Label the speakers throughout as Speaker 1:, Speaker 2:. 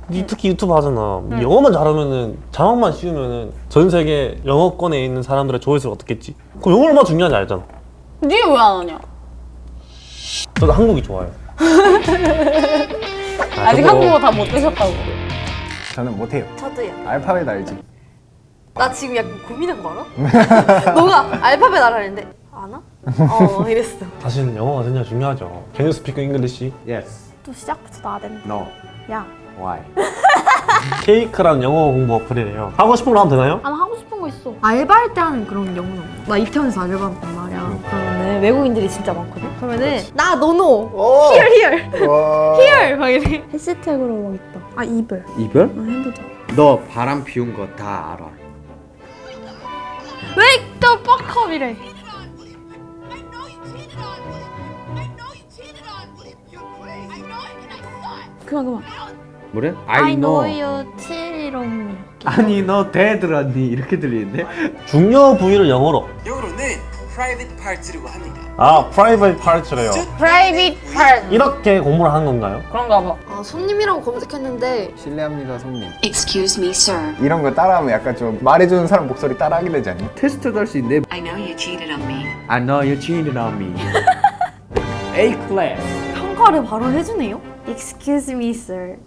Speaker 1: 니 특히 유튜브 하잖아. 영어만 잘하면은 자막만 씌우면은 전 세계 영어권에 있는 사람들의 조회수가 어떻겠지? 그럼 영어 얼마나 중요한지 알잖아.
Speaker 2: 니 왜 안 하냐?
Speaker 1: 저도 한국이 좋아요.
Speaker 2: 아직
Speaker 1: 저도
Speaker 2: 한국어 다 못 드셨다고.
Speaker 3: 저는 못해요.
Speaker 4: 저도요.
Speaker 3: 알파벳 알지?
Speaker 4: 나 지금 약간 고민한 거 알아? 너가 알파벳 알아는데 아나? 이랬어.
Speaker 1: 사실 영어가 진짜 중요하죠. Can you speak English?
Speaker 3: Yes.
Speaker 4: 또 시작부터 나댄다.
Speaker 3: No.
Speaker 4: 야,
Speaker 3: Why?
Speaker 1: 케이크란 영어 공부 어플이래요. 하고 싶은 거 하면 되나요?
Speaker 4: 난 하고 싶은 거 있어. 알바할 때 하는 그런 영어는 없어. 나 이태원에서 알바했단 말이야. 그러면은 외국인들이 진짜 많거든. 그러면은 나 너노 here here 막 이래. 해시태그로 막 있다. 아 이별.
Speaker 5: 이별?
Speaker 4: 핸드다.
Speaker 5: 너 바람 피운 거 다 알아.
Speaker 4: Wake the fuck up 이래. 그만.
Speaker 5: 뭐래?
Speaker 4: I know you 칠이롱.
Speaker 5: 아니 너 대들었니? 이렇게 들리는데?
Speaker 1: 중요 부위를 영어로.
Speaker 6: 영어로는 private part라고 합니다.
Speaker 1: 아, private part래요.
Speaker 2: Private part.
Speaker 1: 이렇게 공부를 하는 건가요?
Speaker 2: 그런가 봐.
Speaker 4: 아 손님이라고 검색했는데
Speaker 3: 실례합니다, 손님.
Speaker 7: Excuse me, sir.
Speaker 3: 이런 거 따라하면 약간 좀 말해주는 사람 목소리 따라하게 되지 않니?
Speaker 5: 테스트도 할 수 있네.
Speaker 7: I know you cheated on me.
Speaker 5: I know you cheated on me. A class.
Speaker 4: 평가를 바로 해주네요. Excuse me, sir.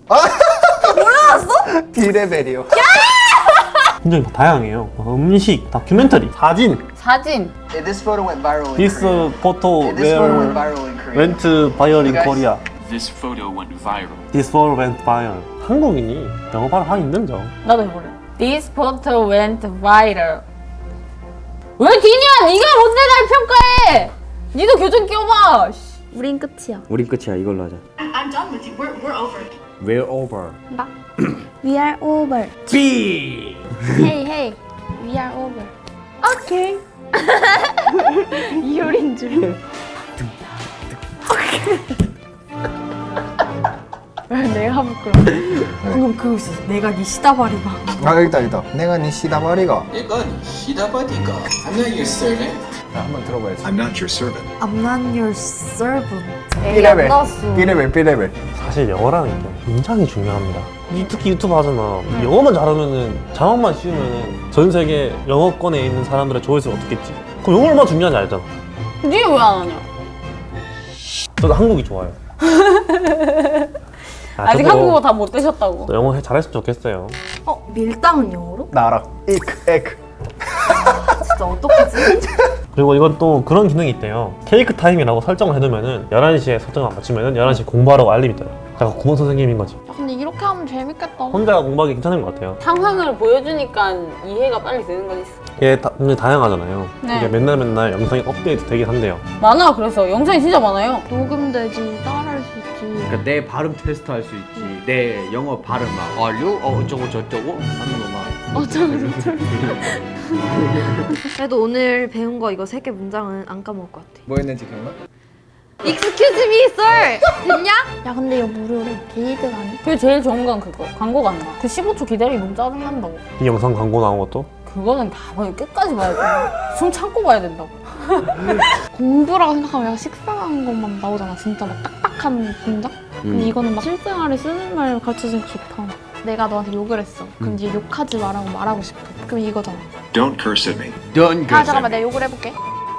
Speaker 3: B레벨이요.
Speaker 1: 굉장히 다양해요. 음식, 다큐멘터리, 사진.
Speaker 2: 사진.
Speaker 6: This photo went viral in
Speaker 1: This
Speaker 6: Korea.
Speaker 1: photo
Speaker 6: This photo went
Speaker 1: where
Speaker 6: viral in Korea.
Speaker 1: went viral in
Speaker 6: Guys.
Speaker 1: Korea.
Speaker 8: This photo went viral.
Speaker 1: This photo went viral. 한국인이 영어 발음하기 힘들죠.
Speaker 2: 나도 해볼래. This photo went viral. 왜 뒤냐? 네가 뭔데 날 평가해? 니도 교정 끼워봐.
Speaker 4: 우린 끝이야.
Speaker 5: 우린 끝이야. 이걸로 하자.
Speaker 7: I'm done with you. We're over.
Speaker 5: We're over.
Speaker 4: 나. We are over.
Speaker 5: B.
Speaker 4: Hey, hey. We are over. 오케이. 이효린 줄. 내가 부끄러워. 방금 그거 있었어. 내가 네 시다바리가.
Speaker 3: 아 여기다. 내가 네 시다바리가.
Speaker 6: 이건 히다바디가. I'm not your servant.
Speaker 3: 자, 한번 들어봐야지.
Speaker 9: I'm not your servant.
Speaker 4: I'm not your servant.
Speaker 3: B레벨. B레벨.
Speaker 1: 사실 영어라는 게 굉장히 중요합니다. 니 특히 유튜브 하잖아. 영어만 잘하면은 자막만 씌우면은 전 세계 영어권에 있는 사람들의 조회수가 어떻겠지? 그럼 영어 얼마나 중요한지 알잖아.
Speaker 2: 니 왜 안 하냐?
Speaker 1: 저도 한국이 좋아요.
Speaker 2: 아직
Speaker 1: 저도
Speaker 2: 한국어 다 못 드셨다고.
Speaker 1: 영어 잘했으면 좋겠어요.
Speaker 4: 밀당은 영어로?
Speaker 3: 나 알아. 에크.
Speaker 4: 진짜 어떡하지?
Speaker 1: 그리고 이건 또 그런 기능이 있대요. 케이크 타임이라고 설정을 해두면은 11시에 설정을 맞추면은 11시에 공부하라고 알림이 떠요. 약간 국어 선생님인 거지.
Speaker 4: 야, 근데 이렇게 하면 재밌겠다.
Speaker 1: 혼자 공부하기 괜찮은 것 같아요.
Speaker 2: 상황을 보여주니까 이해가 빨리 되는 거지.
Speaker 1: 이게 굉장히 다양하잖아요.
Speaker 2: 네.
Speaker 1: 이게 맨날 영상이 업데이트 되긴 한대요.
Speaker 2: 많아. 그래서 영상이 진짜 많아요.
Speaker 4: 녹음되지, 따라할 수 있지.
Speaker 5: 그러니까 내 발음 테스트 할 수 있지. 내 영어 발음 막 얼류 어쩌고 저쩌고 하는 거 막.
Speaker 4: 그래도 오늘 배운 거 이거 3개 문장은 안 까먹을 것 같아.
Speaker 3: 뭐 했는지 기억나?
Speaker 4: Excuse me, sir. 됐냐? 야, 근데 이거 무료래. 게이드가 아니?
Speaker 2: 그게 제일 좋은 건 그거. 광고가 안 나. 그 15초 기다리면 너무 짜증난다고.
Speaker 1: 이 영상 광고 나온 것도
Speaker 2: 그거는 다 봐야 끝까지 봐야 돼. 숨 참고 봐야 된다고.
Speaker 4: 공부라고 생각하면 약간 식상한 것만 나오잖아. 진짜 막 딱딱한 문장? 근데 이거는 막 실생활에 쓰는 말 가르쳐주니까 좋다. 내가 너한테 욕을 했어. 그럼 이제 욕하지 말고 싶어. 그럼 이거잖아.
Speaker 9: Don't curse at me.
Speaker 5: Don't curse
Speaker 4: 잠깐만,
Speaker 5: at me.
Speaker 4: 내가 욕을 해볼게.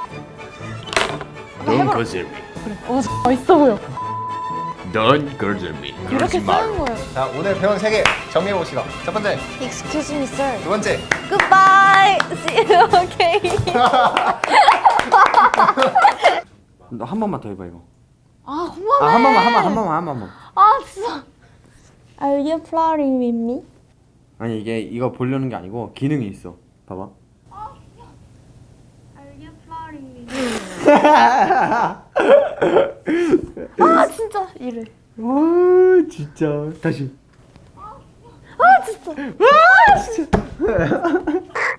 Speaker 5: Don't curse at me.
Speaker 4: 멋있어 보여.
Speaker 5: Don't curse at me.
Speaker 4: 이렇게 쓰는 거예요.
Speaker 3: 자, 오늘 배운 3개 정리해 봅시다. 첫 번째,
Speaker 4: Excuse me, sir.
Speaker 3: 두 번째.
Speaker 4: Goodbye. See you again.
Speaker 5: 너 한 번만 더 해봐 이거.
Speaker 4: 아, 그만해.
Speaker 5: 한 번만.
Speaker 4: 아, 진짜. Are you flirting with me?
Speaker 5: 아니 이게 이거 보려는 게 아니고 기능이 있어. 봐봐.
Speaker 4: Are you flirting with me? 아, 진짜 이래.
Speaker 5: 와 진짜 다시.
Speaker 4: 아, 진짜.